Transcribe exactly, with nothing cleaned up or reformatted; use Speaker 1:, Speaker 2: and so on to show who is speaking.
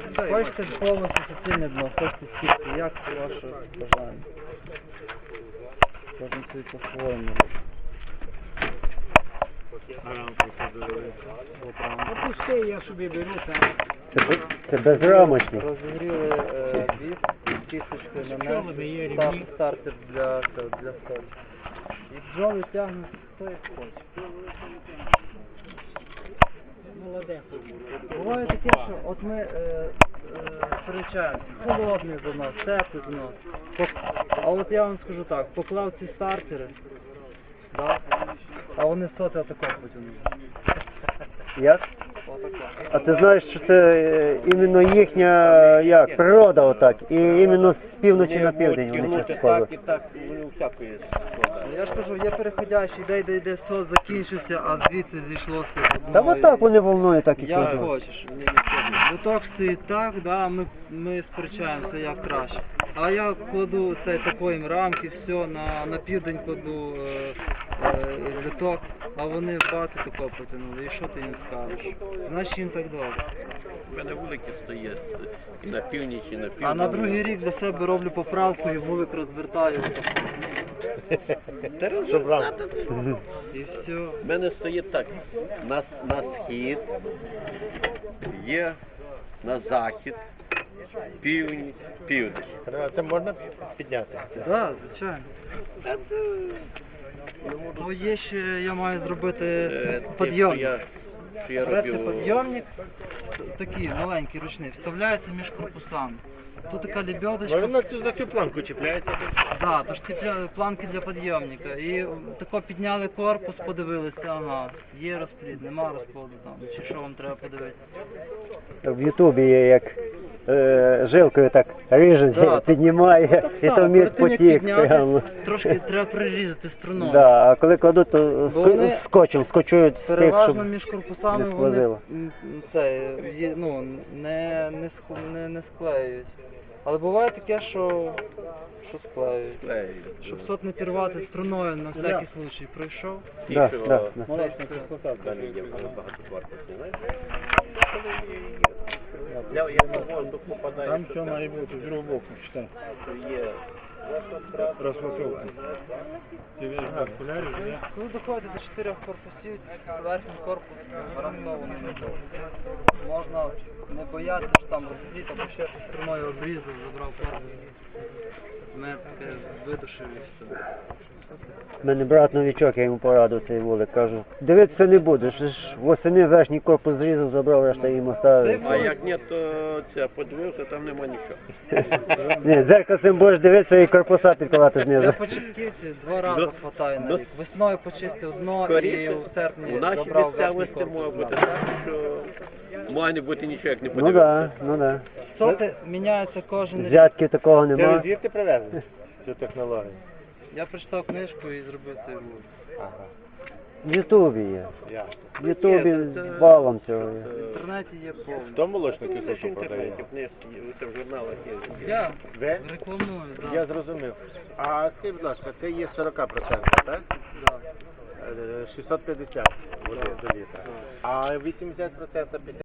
Speaker 1: Хочете повністю суцільне дно, хочете стільки, як ваше бажання. Кожен собі по-своєму робить.
Speaker 2: Опусти, я собі беру там.
Speaker 3: Це, без- це безрамочний.
Speaker 1: Розігріли е, біс, кісточкою нанесли, став стартер для, для столу. І бджоли тягнуть хто як хоче.
Speaker 2: Молодець.
Speaker 1: Буває таке, що от ми е, е, сперечаємося, холодний занос, теплий занос. Пок- А от я вам скажу так, поклав ці стартери, да? А вони соти отако потягнули.
Speaker 3: Як?
Speaker 1: Отако.
Speaker 3: А ти знаєш, що це е, іменно їхня як, природа отак. І іменно з півночі на південь вони частково.
Speaker 4: Так і так, вони всякої складають.
Speaker 1: Ну, я ж кажу, є переходящий, йде, йде, йде, сос закінчився, а звідси зійшлося.
Speaker 3: Та отак вони волною так і
Speaker 1: Як
Speaker 3: кладуть.
Speaker 1: хочеш. Виток стоїть так, да, ми, ми сперечаємося як краще. А я кладу цей такої рамки, все, на, на південь кладу е, е, виток, а вони бати тако потягнули. І що ти їм скажеш? Значить їм так добре.
Speaker 4: У мене вулики стоять і на північ, і на південь.
Speaker 1: А на другий рік для себе роблю поправку і вулик розвертаю.
Speaker 4: Щоб брати.
Speaker 1: І все.
Speaker 4: У мене стоїть так, на, на схід, є на захід, північ, південь. Це можна підняти?
Speaker 1: Так, да, звичайно. Ну, є ще, я маю зробити
Speaker 4: Е,
Speaker 1: підйомник.
Speaker 4: Я, що я
Speaker 1: Береться
Speaker 4: роблю...
Speaker 1: підйомник, такий маленький ручний, вставляється між корпусами. Тут така лебедочка.
Speaker 4: Воно за цю планку чіпляється.
Speaker 1: Да, то ж ці пля- планки для підйомника. І тако підняли корпус, подивилися, ага, є розплід, нема розплоду там, чи що вам треба подивитися.
Speaker 3: В Ютубі є як е, жилкою так ріже,
Speaker 1: Да,
Speaker 3: піднімає,
Speaker 1: так
Speaker 3: і
Speaker 1: само,
Speaker 3: то міст
Speaker 1: перед тим, як
Speaker 3: потік
Speaker 1: підняти,
Speaker 3: прямо.
Speaker 1: Трошки треба прирізати струною.
Speaker 3: Да, а коли кладуть, то
Speaker 1: Бо
Speaker 3: ск-
Speaker 1: вони
Speaker 3: скотчем скочують з тих,
Speaker 1: Переважно
Speaker 3: щоб...
Speaker 1: між корпусами
Speaker 3: не
Speaker 1: вони
Speaker 3: сквозило.
Speaker 1: м, це, є, ну, не, не, ск- не, не склеюють. Але буває таке, що, що склеюють. Щоб сот не пірвати струною на всякий случай пройшов.
Speaker 3: Да, да, да.
Speaker 4: Далі є багатотварності, знаєш? Я, я на воздух попадаю.
Speaker 2: Там все має бути з другого боку, читай.
Speaker 4: Що є
Speaker 2: Розфасовка. Ти весь без окулярів, я?
Speaker 1: Коли доходите до чотирьох корпусів, верхній корпус гарантований не буде. Можна не боятися, що там розбити, або ще щось струною обрізав, забрав корпус. Метке, видушив і все.
Speaker 3: У мене брат новічок, я йому порадив цей вулик, кажу, дивитися не будеш, ж восени верхній корпус зрізав, забрав, решта їм оставив.
Speaker 4: А як ні, то це подивився, там нема нічого.
Speaker 3: Ні, зеркальцем будеш дивитися і корпуса підкладати
Speaker 1: Я
Speaker 3: знизу.
Speaker 1: по чистківці два рази
Speaker 4: До-
Speaker 1: хватає на
Speaker 4: до-
Speaker 1: рік. Весною почистив дно і
Speaker 4: Скоріше,
Speaker 1: в серпні
Speaker 4: у нашій
Speaker 1: забрав верхній
Speaker 4: місцевості
Speaker 1: корпус.
Speaker 4: може бути так, що має не бути нічого, як не
Speaker 3: Ну
Speaker 4: подивитися.
Speaker 3: да, ну да.
Speaker 1: Соти міняються кожен рік.
Speaker 3: Взятки такого нема.
Speaker 4: звідти привезли цю технологію?
Speaker 1: Я прочитав книжку і зробив цей вулик.
Speaker 3: В Ютубі є.
Speaker 4: Я.
Speaker 3: В Ютубі
Speaker 1: Ні, це-
Speaker 3: валом цього є.
Speaker 1: В інтернеті є повно.
Speaker 4: Хто молочну кислоту продає? Це в журналах є.
Speaker 1: Я
Speaker 4: Ви?
Speaker 1: рекламую, так.
Speaker 4: Я зрозумів. А скажіть, будь ласка, це є сорок відсотків, так?
Speaker 1: Да.
Speaker 4: Е, шістсот п'ятдесят води до літра. А вісімдесят відсотків